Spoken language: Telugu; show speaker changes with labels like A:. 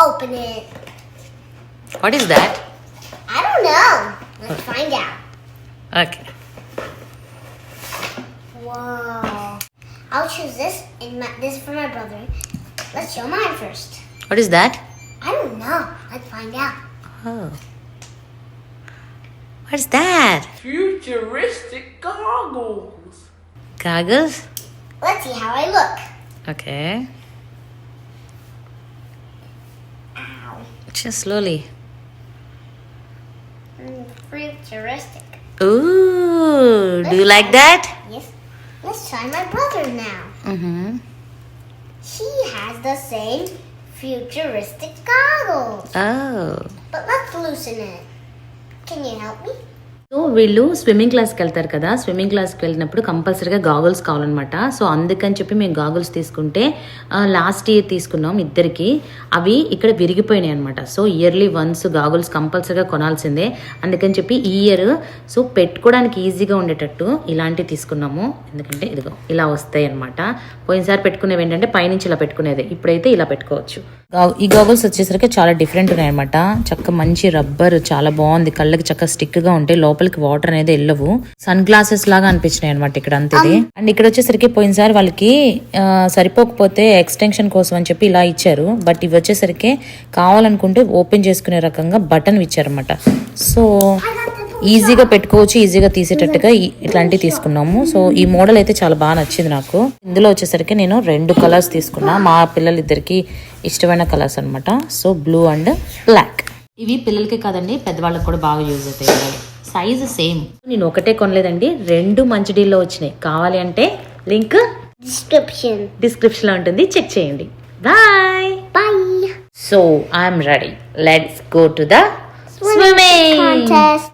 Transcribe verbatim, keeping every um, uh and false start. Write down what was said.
A: open it.
B: What is that?
A: I don't know. Let's find out.
B: Okay.
A: Whoa. I'll choose this and my, this for my brother. Let's show mine first.
B: What is that?
A: I don't know. Let's find out.
B: Oh. What's that?
C: Futuristic goggles.
B: Goggles?
A: Let's see how I look.
B: Okay.
A: Ow.
B: Just slowly.
A: Mm, futuristic.
B: Ooh, do you like that?
A: Yes. Let's try my brother now.
B: Mm-hmm.
A: He has the same futuristic goggles.
B: Oh.
A: But let's loosen it. Can you help me?
B: So వీళ్ళు స్విమ్మింగ్ క్లాస్కి వెళ్తారు కదా, స్విమ్మింగ్ క్లాస్కి వెళ్ళినప్పుడు కంపల్సరీగా గాగుల్స్ కావాలన్నమాట. సో అందుకని చెప్పి మేము గాగుల్స్ తీసుకుంటే లాస్ట్ ఇయర్ తీసుకున్నాం ఇద్దరికి. అవి ఇక్కడ విరిగిపోయినాయి అనమాట. సో ఇయర్లీ వన్స్ గాగుల్స్ కంపల్సరీగా కొనాల్సిందే. అందుకని చెప్పి ఈ ఇయర్ సో పెట్టుకోవడానికి ఈజీగా ఉండేటట్టు ఇలాంటివి తీసుకున్నాము. ఎందుకంటే ఇదిగో ఇలా వస్తాయి అనమాట. పోయినసారి పెట్టుకునేవి ఏంటంటే పైనుంచి ఇలా పెట్టుకునేది, ఇప్పుడైతే ఇలా పెట్టుకోవచ్చు. ఈ గాగుల్స్ వచ్చేసరికి చాలా డిఫరెంట్ ఉన్నాయి అనమాట. చక్క మంచి రబ్బర్, చాలా బాగుంది. కళ్ళకి చక్క స్టిక్ గా ఉంటాయి, లోపలికి వాటర్ అనేది వెళ్ళవు. సన్ గ్లాసెస్ లాగా అనిపించినాయి అనమాట ఇక్కడ అంతేది. అండ్ ఇక్కడ వచ్చేసరికి పోయినసారి వాళ్ళకి సరిపోకపోతే ఎక్స్టెన్షన్ కోసం అని చెప్పి ఇలా ఇచ్చారు. బట్ ఇవి వచ్చేసరికి కావాలనుకుంటే ఓపెన్ చేసుకునే రకంగా బటన్ ఇచ్చారనమాట. సో ఈజీగా పెట్టుకోవచ్చు, ఈజీగా తీసేటట్టుగా ఇట్లాంటివి తీసుకున్నాము. సో ఈ మోడల్ అయితే చాలా బాగా నచ్చింది నాకు. ఇందులో వచ్చేసరికి నేను రెండు కలర్స్ తీసుకున్నా, మా పిల్లలిద్దరికి ఇష్టమైన కలర్స్ అనమాట. So blue and black. ఇవి పిల్లలకి కాదండి, పెద్దవాళ్ళకి కూడా బాగా యూజ్ అవుతాయి. Size same. నేను ఒకటే కొనలేదండి, రెండు మంచి డీల్లో వచ్చినాయి. కావాలి అంటే లింక్
A: Description.
B: డిస్క్రిప్షన్ లో ఉంటుంది, చెక్ చేయండి. Bye
A: Bye.
B: So I'm ready. Let's go to the swimming
A: Contest.